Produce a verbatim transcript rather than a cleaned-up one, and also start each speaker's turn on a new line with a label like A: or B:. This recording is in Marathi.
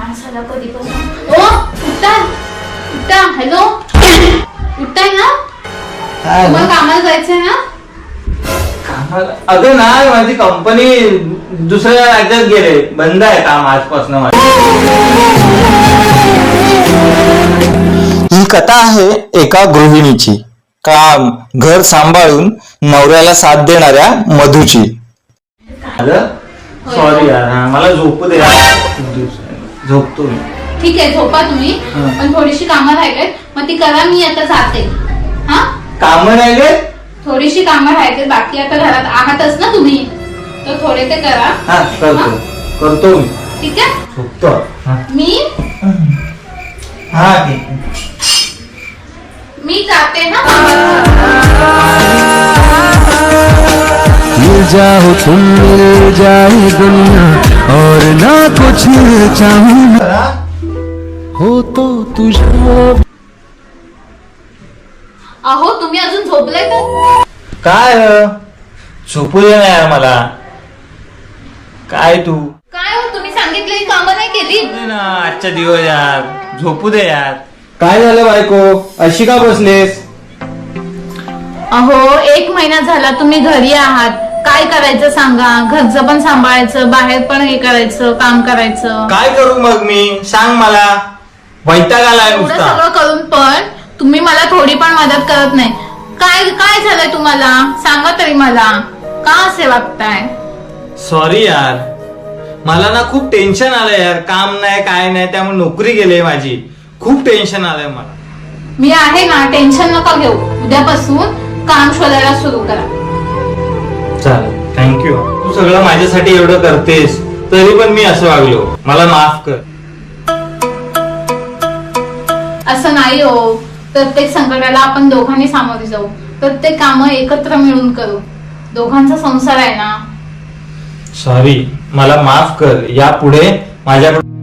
A: माणसाला कधीपासून ओ उठा उठा हॅलो उठताय ना तुम्हाला कामाला जायचंय ना
B: अगं नाही माझी कंपनी दुसऱ्या राज्यात गेले बंद आहे काम आजपासून माझी
C: ही कथा आहे एका गृहिणीची काम घर सांभाळून नवऱ्याला साथ देणाऱ्या मधूची.
B: सॉरी यार मला झोपू दे झोपतो मी.
A: ठीक आहे झोपा तुम्ही पण थोडीशी कामं राहिलेत मग ती करा मी आता जाते. हा
B: कामं राहिले
A: थोडीशी कामं राहिलेत बाकी आता घरात आहातच ना तुम्ही तर थोडे ते करा.
B: हा करतो करतो मी.
A: ठीक आहे
B: झोपतो
A: मी
B: हा ठीक
A: मी जाते ना.
D: मिल जाओ तुम मिल जाए दुनिया और ना कुछ चाहूं हो तो तुझे.
A: अहो तुम्ही अजून झोपलाय का
B: काय झोपू दे ना यार मला. काय तू
A: काय हो तुम्ही सांगितलेली कामं नाही केली
B: ना आजचा दिवस यार झोपू दे यार. काय झालं बायको अशी का बसलेस.
A: अहो एक महिना झाला तुम्ही घरी आहात काय करायचं सांगा घरचं पण सांभाळायचं बाहेर पण हे करायचं काम करायचं.
B: काय करू मग मी सांग मला वैताग आलाय
A: एवढं
B: नुसता.
A: सगळं करून पण तुम्ही मला थोडी पण मदत करत नाही. काय काय झालंय तुम्हाला सांगा तरी मला का असे वागताय.
B: सॉरी यार मला ना खूप टेन्शन आलंय यार काम नाही काय नाही त्यामुळे नोकरी गेली माझी. खूप टेन्शन आलंय मला.
A: मी आहे ना टेन्शन नका घेऊ उद्यापासून काम शोधायला सुरू करा.
B: चालेल थँक्यू. तू सगळं माझ्यासाठी एवढं करतेस तरी पण मी असं वागलो मला माफ कर.
A: असं नाही हो प्रत्येक संकटाला आपण दोघांनी सामोरे जाऊ प्रत्येक कामं एकत्र मिळून करू दोघांचा संसार आहे ना.
B: सॉरी मला माफ कर यापुढे माझ्याकडून